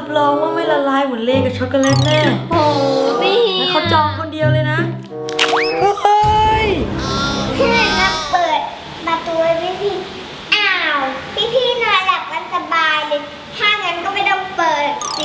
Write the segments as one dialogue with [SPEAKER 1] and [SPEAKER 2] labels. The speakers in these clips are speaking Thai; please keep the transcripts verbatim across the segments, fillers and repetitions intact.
[SPEAKER 1] รองว่าไม่ละลายเหมือนเลกับช็อกโกแลตแน่
[SPEAKER 2] โอ้พี่
[SPEAKER 1] งั้นเขาจองคนเดียวเลยนะเฮ้ย
[SPEAKER 3] พี่นับเปิดประตูให้พี่พี่อ้าวพี่พี่นอนหลับกันสบายเลยถ้างั้นก็ไม่ต้องเปิดสิ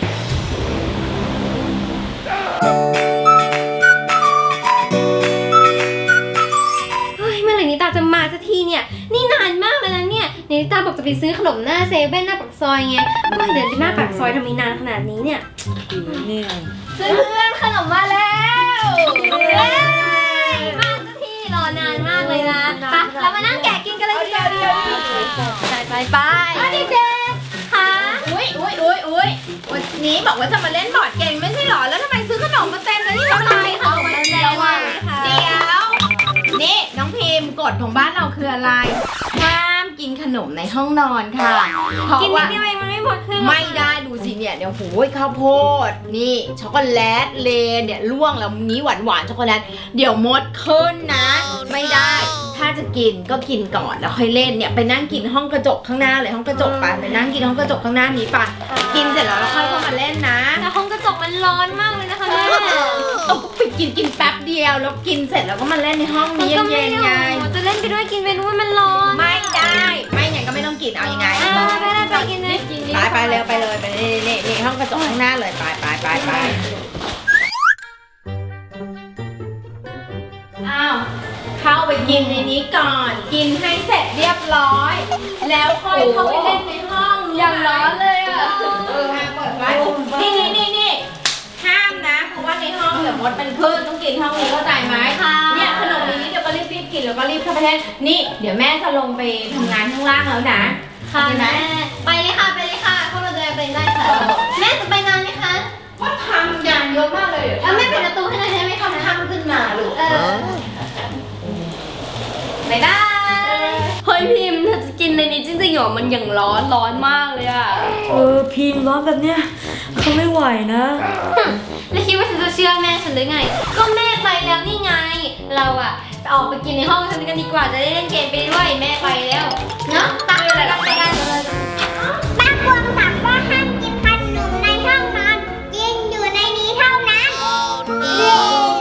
[SPEAKER 2] เฮ้ยเมื่อไหร่นิตาจะมาสักทีเนี่ยนี่นานมากแล้วนะเนี่ยนิตาบอกจะไปซื้อขนมหน้าเซเว่นหน้าปากซอยไงเฮ้ยเดินไปหน้าปากซอยทำไมนานขนาดนี้เนี่ย
[SPEAKER 1] เนี่ย
[SPEAKER 2] เพื่อนขนมมาแล้วเย้มาสักทีรอนานมากเลยนะไปเรามานั่งแกะกินกันเลยดีกว่าไปไปไปเด็กๆค่ะ
[SPEAKER 4] อุ้ยอุ้ยอุ้ยอุ้ยวันนี้บอกว่าจะมาเล่นบอร์ดเกมไม่ใช่หรอ แล้วทำไมซื้อขนมมาเต็มเลยนี่ทำไมของมาเดียวอ่ะเดี๋ยว นี่น้องพิมพ์กฎของบ้านเราคืออะไร ห้ามกินขนมในห้องนอนค่ะ เพราะ
[SPEAKER 2] กินนิ
[SPEAKER 4] ว่า
[SPEAKER 2] ดเดียวเองมันไม่หมดคือ
[SPEAKER 4] ไม่ได้ดูสิเนี่ยเดี๋ยวโหยข้าวโพด นี่ช็อกโกแลตเลนเนี่ยล่วงแล้วนี้หวานหวานๆช็อกโกแลต เดี๋ยวมดขึ้นนะ ไม่ได้ ถ้าจะกินก็กินก่อนแล้วค่อยเล่นเนี่ยไปนั่งกินห้องกระจกข้างหน้าเลยห้องกระจกไปไปนั่งกินห้องกระจกข้างหน้านี้ไปกินเสร็จแล้วเราค่อยเข้ามาเล่นนะ
[SPEAKER 2] แต่ห้องกระจกมันร้อนมากเลยนะคะแม่
[SPEAKER 4] เอาไปกินกินแป๊บเดียวแล้วกินเสร็จแล้วก็มาเล่นในห้อง
[SPEAKER 2] มัน
[SPEAKER 4] นี้
[SPEAKER 2] ก็ไม่
[SPEAKER 4] เย็นๆไง
[SPEAKER 2] ได้จะเล่นไปด้วยกินไปด้วยมันร้อน
[SPEAKER 4] ไม่ได้ ไม่อย่างก็ไม่ต้องกินเอายังไง
[SPEAKER 2] อ่าไม่ได้ไปกินเลยกิน
[SPEAKER 4] ไปไปเร็วไปเลยไปนี่นี่นี่ห้องกระจกข้างหน้าเลยไปไปไปไปอ้าวเข้าไปกินในนี้ก่อน กินให้เสร็จเรียบร้อย แล้วค่อยเข้าไปเล่นในห้องอย่างร้อนเลยอ่ะเออห้ามเปิดไว้นี่นี่นี่นี่ห้ามนะเพราะว่าในห้องเดี๋ยวมดเป็นพืชต้องกินห้องนี้เข้าใจไหม
[SPEAKER 2] ค่ะ
[SPEAKER 4] เนี่ยขนมนี้เดี๋ยวก็รีบรีบกินแล้วก็รีบเข้าไปเล่นนี่เดี๋ยวแม่จะลงไปทำงานข้างล่างแล้วนะ
[SPEAKER 2] ค่ะ
[SPEAKER 4] โอเคไหม
[SPEAKER 2] แม่ไปเลยค่ะไปเลยค่ะเข้ามาเลยไปได้ค่ะแม่จะไปนานไหมคะ
[SPEAKER 4] ว่าทำงานเยอะมากเลย
[SPEAKER 2] เออแม่ปิดประตูให้หน่อยได้ไหมคะ
[SPEAKER 4] ค่ำขึ้นมาลูก
[SPEAKER 2] เออบ๊ายบายเฮ้ยพิมพ์เธอจะกินในนี้จริงๆเหรอมันอย่างร้อนร้อนมากเลยอะ
[SPEAKER 1] เออพิมพ์ร้อนแบบเนี้ยเขาไม่ไหวนะ
[SPEAKER 2] แล้วคิดว่าฉันจะเชื่อแม่ฉันหรือไง ก็แม่ไปแล้วนี่ไง เราอะออกไปกินในห้องฉันกันดีกว่าจะได้เล่นเกมไปด้วยแม่ไปแล้วเนาะตามไปกันไปกันเลย
[SPEAKER 3] ป้ากวางถามว่าห้ามกินขนมในห้องนอนกินอยู่ในนี้เท่านั้นเย้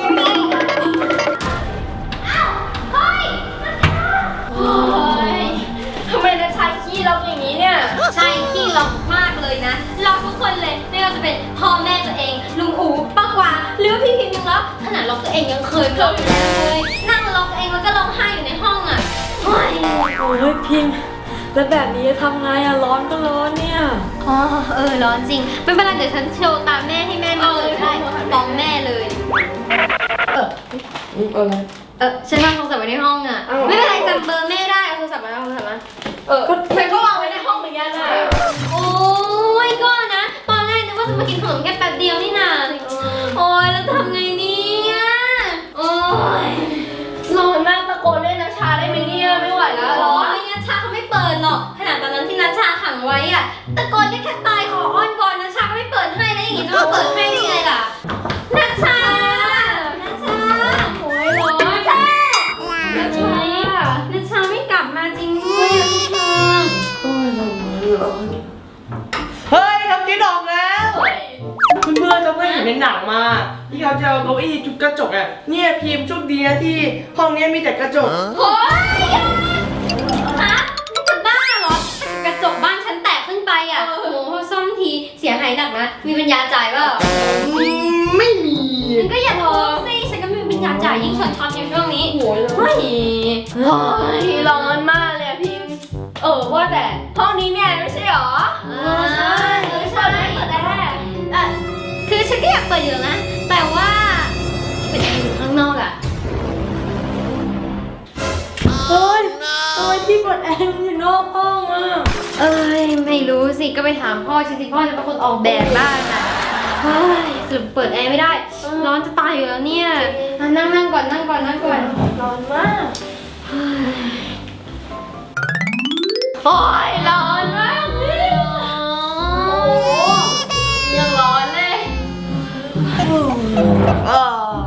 [SPEAKER 3] อ้าวเฮ้ย
[SPEAKER 2] โอ้ยทำไมนะชายขี้ล็อกอย่างนี้เนี่ย ใช่ขี้ล็อกมากเลยนะล็อกทุกคนเลยไม่ว่าจะเป็นพ่อแม่ตัวเองลุงอูป้ากวางหรือว่าพี่พิมพ์ยังล็อกขนาดล็อกตัวเองยังเคยล็อกเลยนั่งล็อกตัวเองแล้วก็ร้องไห้อยู่ในห้องอ่ะโอ้ย
[SPEAKER 1] โอ้ยพิมพ์แล้วแบบนี้จะทำไงอะร้อนก็ร้อนเนี่ย
[SPEAKER 2] อ๋อเออร้อนจริงไม่เป็นไรเดี๋ยวฉันโชว์ตามแม่ให้แม่มาเลยได้ฟ้องแม่เลยเออ
[SPEAKER 1] เออ
[SPEAKER 2] เออฉันวางโทรศัพท์ไว้ในห้องอ่ะไม่เป็นไรจำเบอร์แม่ได้เอาโทรศัพท์มาเอาโทรศัพท์มาเออฉันก็วางไว้ในห้องเหมือนกันอ่ะโอ้ยก็นะตอนแรกนึกว่าจะมากินขนมแค่แป๊บเดียวนี่นาโอ้ยแล้วทำไงเนี่ยโอ้ยร้อนมากตะโกนเล่นนัชชาได้ไหมเนี่ยไม่ไหวแล้วร้อนนัชชาเขาไม่เปิดหรอกขนาดตอนนั้นที่นัชชาขังไว้อ่ะตะโกนได้แค่ตายขออ้อนวอนนัชชาก็ไม่เปิดให้แล้วอย่างงี้จะมาเปิดให้ได้ไงล่ะนัชชานัชชาโอ้ยร้อนนัชชานัชชานัชชาไม่กลับมาจริงด้วยอ่ะพี่ชา
[SPEAKER 1] โอ้ยร้อนร้อน
[SPEAKER 5] เฮ้ยทำกินออกแล้วเพื่อนๆจะเพื่อนเห็นในหนังมาที่เขาจะเอาเก้าอี้ทุบกระจกอ่ะเนี่ยพิมพ์โชคดีนะที่ห้องนี้มีแต่กระจก
[SPEAKER 2] โอ้ยฮะนี่จะบ้าเหรอกระจกบ้านฉันแตกขึ้นไปอ่ะโอ้โหซ่อมทีเสียหายหนักนะมีปัญญาจ่ายเปล่า
[SPEAKER 5] อืมไม่มี
[SPEAKER 2] มันก็อย่าโทษสิฉันก็ไมมีปัญญาจ่ายยิ่งช็อตช็อตอยู่ช่วงนี้โอ้ยเฮ้ยร้อนมากเลยอะพิมเออว่าแต่ห้องนี้เนี่ยไม่ใช่หรอเออใช่เออใช่เปิดได้เออคือฉันก็อยากเปิดอยู่นะ แต่ว่าเป็นแอร์อยู่ข้างนอกอะ
[SPEAKER 1] เฮ้ยทำไมที่เปิดแอร์มันอยู่นอกห้องอะ
[SPEAKER 2] เอ้ยไม่รู้สิก็ไปถามพ่อฉันสิพ่อจะเป็นคนออกแบบบ้านอะเฮ้ยสรุปเปิดแอร์ไม่ได้ ร้อนจะตายอยู่แล้วเนี่ยอ่ะนั่งนั่งก่อนนั่งก่อนนั่งก่อน
[SPEAKER 1] ร้อนมาก
[SPEAKER 2] โอ้ยร้อนมากเลยโอ้โหยังร้อนเลย
[SPEAKER 1] เออ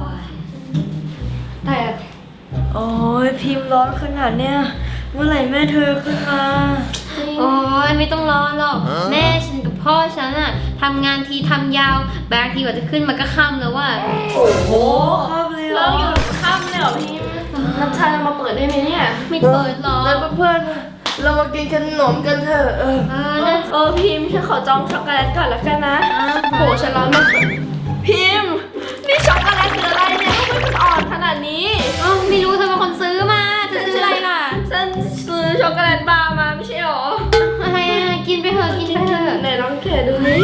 [SPEAKER 2] แต่
[SPEAKER 1] โอ้ยพิมพ์ร้อนขนาดเนี้ยเมื่อไหร่แม่เธอขึ้นมา
[SPEAKER 2] โอ้ยไม่ต้องร้อนหรอกแม่ฉันกับพ่อฉันอะททำงานทีทำยาวบางทีกว่าจะขึ้นมันก็ค่ำแล้วว่า
[SPEAKER 1] โอ้โหครับเลยเหร
[SPEAKER 5] เรา
[SPEAKER 1] อ
[SPEAKER 5] อยู่ค่ำเลยเหรอพี่น้ำชาจะมาเปิดได้ไหมเนี่ย
[SPEAKER 2] ไม่เปิดหรอ
[SPEAKER 5] แล้วเพื่อนๆเรามากินขนมกันเถอะเออ
[SPEAKER 2] เออนะ
[SPEAKER 1] เออพิมพ์ฉันขอจองช็อกโกแลตก่อนละกันนะโหฉันร้อนมากพิมพ์นี่ช็อกโกแลตคืออะไรเนี่ยทำไมมันอ่อนขนาดนี้
[SPEAKER 2] เอ้าไม่รู้เธอเป็นคนซื้อมาเธอซื้ออะไรล่ะ
[SPEAKER 1] ฉันซื้อช็อกโกแลตบาร์มาไม่ใช่หรอ
[SPEAKER 2] อะไรอะกินไปเถอะกินไปเถอะ
[SPEAKER 1] ไหนลองแกะดูนี่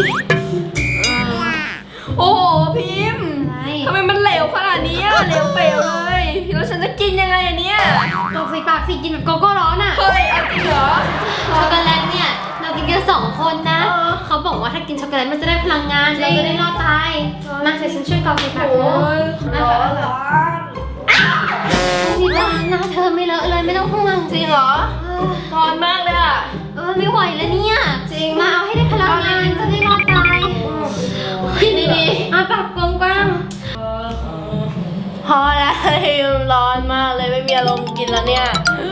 [SPEAKER 1] โอ้โหพิมพ์
[SPEAKER 2] อะไร
[SPEAKER 1] ทำไมมันเหลวขนาดนี้อะเหลวเปลวเลยแล้วฉันจะกินยังไงอะเนี่ย
[SPEAKER 2] ตกใส่ปากสิกินแบบโกโก้ร้อนอ่ะ
[SPEAKER 1] เฮ้ยเอาจริงเหรอ
[SPEAKER 2] ช็อกโกแลตเนี่ยเรากินกันสองคนนะ
[SPEAKER 1] เออ
[SPEAKER 2] เขาบอกว่าถ้ากินช็อกโกแลตมันจะได้พลังงานเราจะได้รอดตายมาเดี๋ยวฉันช่วยกรอกใส่ปาก
[SPEAKER 1] โอ้
[SPEAKER 2] นะ
[SPEAKER 1] ยร้อนร้อน
[SPEAKER 2] นี่ร้านหน้าเธอไม่เลอะเลยไม่ต้องห่วง
[SPEAKER 1] จริงเหรอ
[SPEAKER 2] เออ
[SPEAKER 1] ร้อนมากเลยอะ
[SPEAKER 2] เออไม่ไหวแล้วเนี่ยจริงมาเอาให้ได้พลังงานจะได้รอดตายกินดีๆอ่ะปากกว้าง
[SPEAKER 1] พอแล้วร้อนมากเลยไม่มีอารมณ์กินแล้วเนี่ย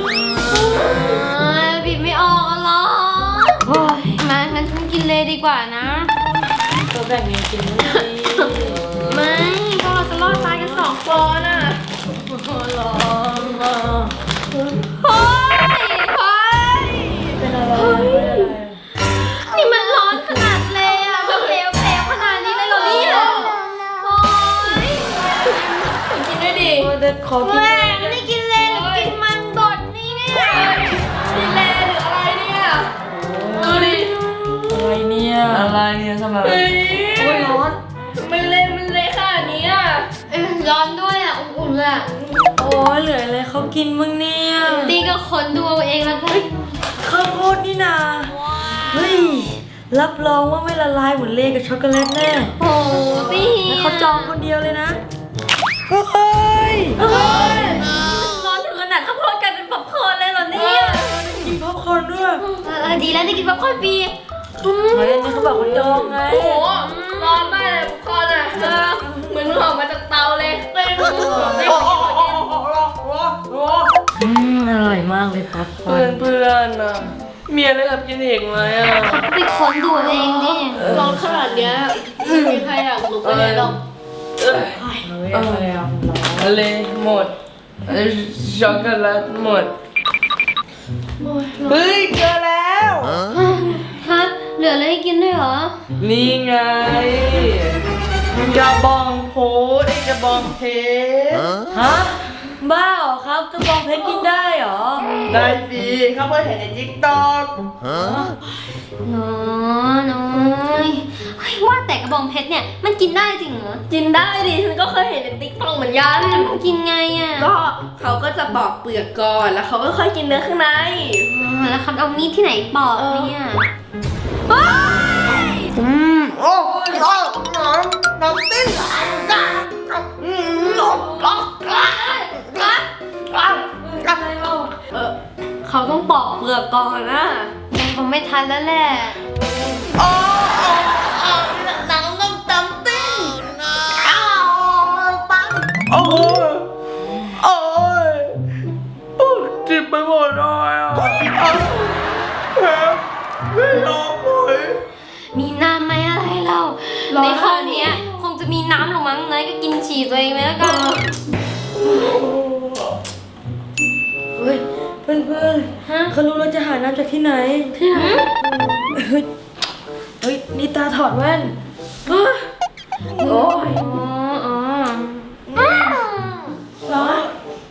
[SPEAKER 2] ๆบีบไม่ออกอ่ะหรอโอ้ยมางั้นฉันกินเลยดีกว่านะ
[SPEAKER 1] ตัวแบ่งเงินกินไม่ดี
[SPEAKER 2] ไม่พวกเราจะรอดตายกันสองคนอ่ะ
[SPEAKER 1] ร้อนมาก
[SPEAKER 2] เฮ้ยเฮ้ย
[SPEAKER 1] เป็นอะไร
[SPEAKER 2] นี่มันร้อนขนาดเลยอ่ะมันเหลวเปลวขนาดนี้เลยเหรอเนี่ยโอ้ย
[SPEAKER 1] กินด้วยดิเด็ดขอกิน
[SPEAKER 2] แม่ไม่ได้กินเลยหรือกินมันบดนี่เนี่ย
[SPEAKER 1] กินแลหรืออะไรเนี่ยดูดิอะไรเนี่ย
[SPEAKER 5] อะไรเนี่ยทำไม
[SPEAKER 1] เฮ้ยโอ้ยร้อนไม่เละมันเละขนาดนี้อ่ะ
[SPEAKER 2] เอ้ยร้อนด้วยอ่ะอุ่นๆเลยอ่ะ
[SPEAKER 1] โอ้ยเหลืออะไรเขากินมึงเนี่ย
[SPEAKER 2] ตีก็คนดูเอาเองแล้วกัน
[SPEAKER 1] ข้าวโพดนี่นาเฮ้ยรับรองว่าไม่ละลายเหมือนเลกับช็อกโกแลตแน่
[SPEAKER 2] โอ้ตี
[SPEAKER 1] งั้นเขาจองคนเดียวเลยนะเฮ้ยเฮ้ยร้อนถึงขนาดข้าวโพดกลายเป็นป๊อปคอร์นเลยเหรอเนี่ยกินป๊อปคอร์นด้วย
[SPEAKER 2] เออดีแล้วได้กินป๊อปคอร์นฟรี
[SPEAKER 1] เฮ้ยอันนี้เขาบอกเขาจองไง
[SPEAKER 5] โอ้โหร้อนมากเลยทุกคนอ่ะเออเหมือนหอมมาจากเตาเลยเต้นโอ้โหโอ้โหโอ้โหโอ้โห
[SPEAKER 1] อืมอร่อยมากเลยป๊อปคอ
[SPEAKER 5] เพื่อ
[SPEAKER 1] ร์
[SPEAKER 5] น
[SPEAKER 1] น
[SPEAKER 5] เพื่อนอ่ะมีอะไรกับกินอีกไหมอ่ะ
[SPEAKER 2] เขาก็ไปค้นดูเอาเองดิ
[SPEAKER 5] ร้อนขนาดเนี้ยไม่มีใครอยากลุกไปเลยหรอกเออ
[SPEAKER 1] เออเลยอ่ะ
[SPEAKER 5] อะไรหมดเอ้ยช็อกโกแลตหมดเฮ้ยเจอแล้ว
[SPEAKER 2] ครับ เหลืออะไรให้กินด้วยเหรอ
[SPEAKER 5] นี่ไงกระบองโพดไอ้กระบองเพชร
[SPEAKER 1] ฮะบ้าเหรอครับกระบองเพชรกินได้เหรอ
[SPEAKER 5] ได้สิเขาเพิ่งเห็นในทิกตอก
[SPEAKER 2] น้อยน้อยเฮ้ยว่าแต่กระบองเพชรเนี่ยมันกินได้จริงเหรอ
[SPEAKER 1] กินได้ดิฉันก็เคยเห็นในติ๊กต็อกเหมือนกัน
[SPEAKER 2] มันกินไงอ่ะ
[SPEAKER 1] ก็เขาก็จะปอกเปลือกก่อนแล้วเขาก็ค่อยกินเนื้อข้างใน
[SPEAKER 2] อ๋อแล้วเขาเอามีดที่ไหนปอกเนี่ย
[SPEAKER 5] อืมโอ้ยน้องน้องน้องติ้นอืมน้องน้องอ่ะอ่ะอ่ะอ่ะ
[SPEAKER 1] เออเขาต้องปอกเปลือกก่อนนะ
[SPEAKER 2] ยังคงไม่ทันแล้วแหละ
[SPEAKER 5] โอ้โอ้โอ้หนังต้องจำติ้นอ้าวปังโอ้ยโอ้ยโอ้ยเจ็บไปหมดเลยอ่ะแผลไม่ยอมเลย
[SPEAKER 2] มีน้ำไหมอะไรเรา ในห้องเนี้ยคงจะมีน้ำหรือมั้งนายก็กินฉี่ตัวเองไปแล้วกัน
[SPEAKER 1] เฮ้ยเพื่อนเพื่อน
[SPEAKER 2] ฮะ
[SPEAKER 1] เขารู้เราจะหาน้ำจากที่ไหน
[SPEAKER 2] ที่ไหน
[SPEAKER 1] เฮ้ยเฮ้ยนี่ตาถอดแว่นฮะโอ้ย
[SPEAKER 2] อ๋ออ๋อ
[SPEAKER 1] ร้อน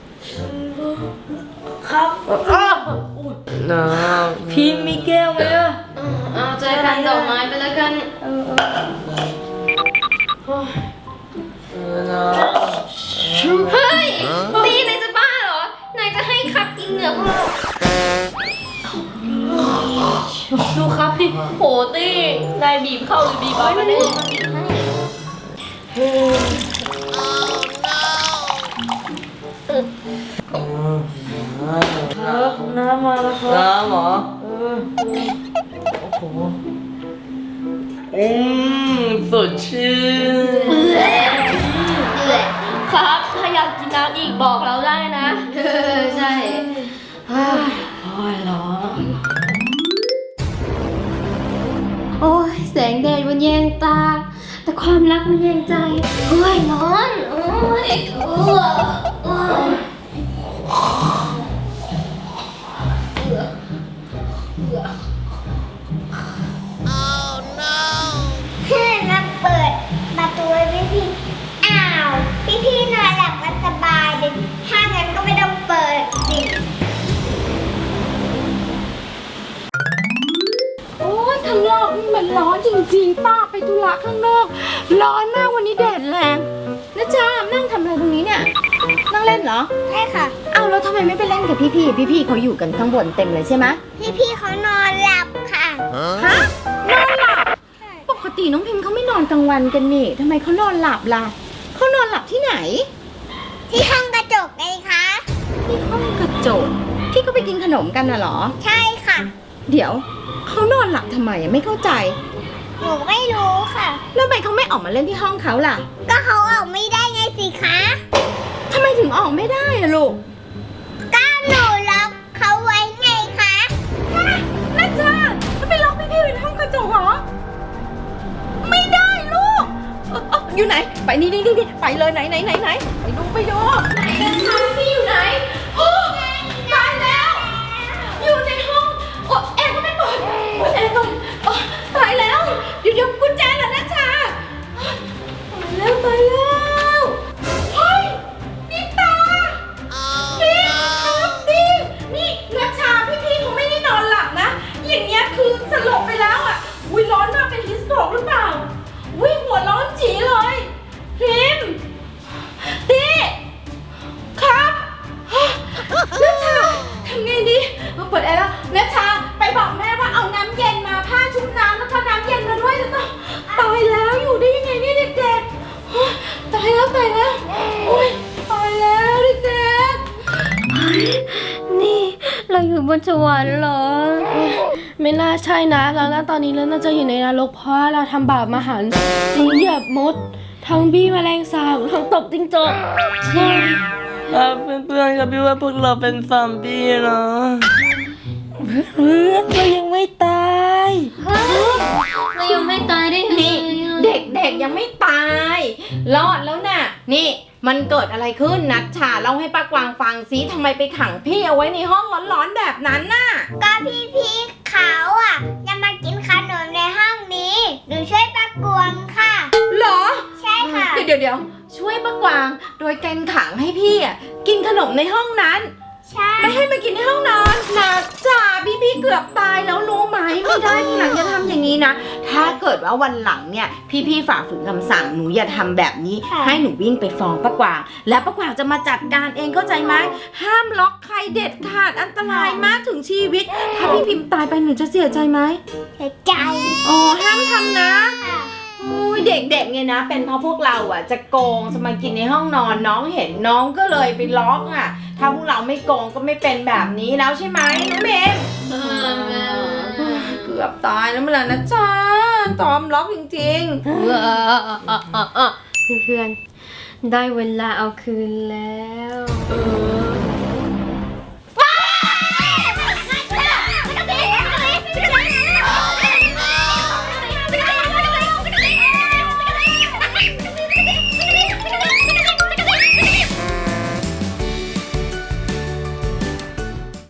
[SPEAKER 1] ครับอ้าวอุ๊ย
[SPEAKER 5] น้ำ
[SPEAKER 1] พิมพ์มีแก้วไหมอะ
[SPEAKER 2] เอาใจกันดอกไม้ไปแล้วกัน
[SPEAKER 1] เออเออ
[SPEAKER 5] เออน้
[SPEAKER 2] เฮ้ยตีนายจะบ้าเหรอ นายจะให้คับกินเหนือพวกเรา
[SPEAKER 1] ดูครับดิโหตี้นายบีบเข้าหรือบีบออกมาเนี่ย
[SPEAKER 2] มาบีบให้
[SPEAKER 1] ครับน้ำมาแล้วค
[SPEAKER 5] ำ
[SPEAKER 1] รับ
[SPEAKER 5] น้ำเหรอ
[SPEAKER 1] เออโอ้โห
[SPEAKER 5] อืมสดชื่น
[SPEAKER 2] เหนื่อย
[SPEAKER 1] ครับถ้าอยากกินน้ำอีกบอกเราได้นะ
[SPEAKER 2] เออใช่เฮ้ย
[SPEAKER 1] โอ้ยร้อน
[SPEAKER 2] โอ้ยแสงแดดมันแยงตา แต่ความรักมันแยงใจโอ้ยร้อนโอ้ยโอ้ยโอ้ย
[SPEAKER 3] เพื่อนมาเปิดประตูให้พี่พี่อ้าวพี่พี่นอนหลับกันสบายเลยถ้างั้นก็ไม่ต้องเปิดสิ
[SPEAKER 4] โอ้ยข้างนอกนี่มันร้อนจริงๆป้าไปธุระข้างนอก ร้อนมากวันนี้แดดแรงนะจ๊ะนั่งทำอะไรตรงนี้เนี่ย นั่งเล่นเหรอ
[SPEAKER 3] ใช่ค่ะ
[SPEAKER 4] เอาแล้วทำไมไม่ไปเล่นกับพี่ๆพี่ๆเขาอยู่กันข้างบนเต็มเลยใช่ไหม
[SPEAKER 3] พี่พี่เขานอนหลับค่ะ
[SPEAKER 4] ฮะนอนหลับปกติน้องพิมพ์เขาไม่นอนกลางวันกันนี่ทำไมเขานอนหลับล่ะเขานอนหลับที่ไหน
[SPEAKER 3] ที่ห้องกระจกไงคะ
[SPEAKER 4] ที่ห้องกระจกที่เขาไปกินขนมกันน่ะเหรอ
[SPEAKER 3] ใช่ค่ะ
[SPEAKER 4] เดี๋ยวเขานอนหลับทำไมอะไม่เข้าใจ
[SPEAKER 3] หนูไม่รู้ค่ะ
[SPEAKER 4] แล้วทำไมเขาไม่ออกมาเล่นที่ห้องเขาล่ะ
[SPEAKER 3] ก็เขาออกไม่ได้ไงสิคะ
[SPEAKER 4] ทำไมถึงออกไม่ได้อะลูก
[SPEAKER 3] ก็หนูล็อกเขาไว้ไงคะ
[SPEAKER 4] แม่จ้าจะไปล็อกพี่ๆไว้ในห้องกระจกเหรอ ไม่ได้ลูกเอ่อเอ่ออยู่ไหน ไปนี่นี่นี่ไปเลยไหนไหนไหนไหนไปดูไปดูไหนกันคะพี่อยู่ไหนโอ้ตายแล้ว อยู่ในห้องโอ้แอร์ก็ไม่เปิดเปิดแอร์ก่อนโอ้ตายแล้วเดี๋ยวเดี๋ยวกุญแจเหรอนะชาตายแล้วตายแล้วเฮ้ยนี่ตาพี่ครับพี่นี่นัชชาพี่ๆเขาไม่ได้นอนหลับนะ อย่างเงี้ยคือสลบไปแล้วอ่ะอุ้ยร้อนมากเป็นฮิสโตรกหรือเปล่าอุ้ยหัวร้อนจีเลยพิมพ์ตีครับนัชชาทำไงดีเอาเปิดแอร์แล้วนัชชาไปบอกแม่ว่าเอาน้ำเย็นมาผ้าชุบน้ำแล้วก็น้ำเย็นมาด้วยจะต้องตายแล้วอยู่ได้ยังไงเนี่ยเด็กๆโอ๊ยตายแล้วตายแล้วโอ๊ยตายแล้วเด็กๆ
[SPEAKER 2] นี่เราอยู่บนสวรรค์เหรอ ไม่น่าใช่นะแล้วนะตอนนี้เราน่าจะอยู่ในนรกเพราะว่าเราทำบาปมหันต์ทั้งเหยียบมด ทั้งบี้แมลงสาบทั้งตบจิ้งจกใช่
[SPEAKER 5] ครับเพื่อนๆครับพี่ว่าพวกเราเป็นซอมบี้เนาะเพื่อนเรายังไม่ตาย
[SPEAKER 2] เรายังไม่ตายได้ไง
[SPEAKER 4] นี่เด็กๆยังไม่ตาย รอดแล้วน่ะ นี่มันเกิดอะไรขึ้นนัชชาเล่าให้ป้ากวางฟังซิทำไมไปขังพี่เอาไว้ในห้องร้อนๆแบบนั้นน่ะ
[SPEAKER 3] ก็พี่พี่เขาอ่ะจะมากินขนมในห้องนี้หนูช่วยป้ากวงค่ะ
[SPEAKER 4] เหรอ
[SPEAKER 3] ใช่ค่ะ
[SPEAKER 4] เดี๋ยวเดี๋ยวเดี๋ยวช่วยป้ากวาง โดยการขังให้พี่อ่ะกินขนมในห้องนั้น
[SPEAKER 3] ใช่
[SPEAKER 4] ไม่ให้มากินในห้องนอนนะจ่าพี่พี่ๆเกือบตายแล้วรู้ไหมไม่ได้ทีหลังอย่าทำอย่างนี้นะ ถ้าเกิดว่าวันหลังเนี่ยพี่พี่ๆฝ่าฝืนคำสั่งหนูอย่าทำแบบนี้ ให้หนูวิ่งไปฟ้องป้ากวาง แล้วป้ากวางจะมาจัดการเองเข้าใจไหมห้ามล็อกใครเด็ดขาดอันตรายมากถึงชีวิต ถ้าพี่พิมพ์ตายไปหนูจะเสียใจไหม
[SPEAKER 3] เสียใจ
[SPEAKER 4] อ๋อห้ามทำนะ
[SPEAKER 3] ค่ะ
[SPEAKER 4] โอ้ยเด็กๆเนี่ยนะ เป็นเพราะพวกเราอ่ะจะโกงจะมากินในห้องนอนน้องเห็นน้องก็เลยไปล็อกอ่ะ ถ้าพวกเราไม่โกงก็ไม่เป็นแบบนี้แล้วใช่ไหมน้องเมย์
[SPEAKER 2] เออ
[SPEAKER 4] เกือบตายแล้วเมื่อไหร่นะจ๊ะตอมล็อกจริง
[SPEAKER 2] เพื่อนๆได้เวลาเอาคืนแล้ว
[SPEAKER 4] ๆเออ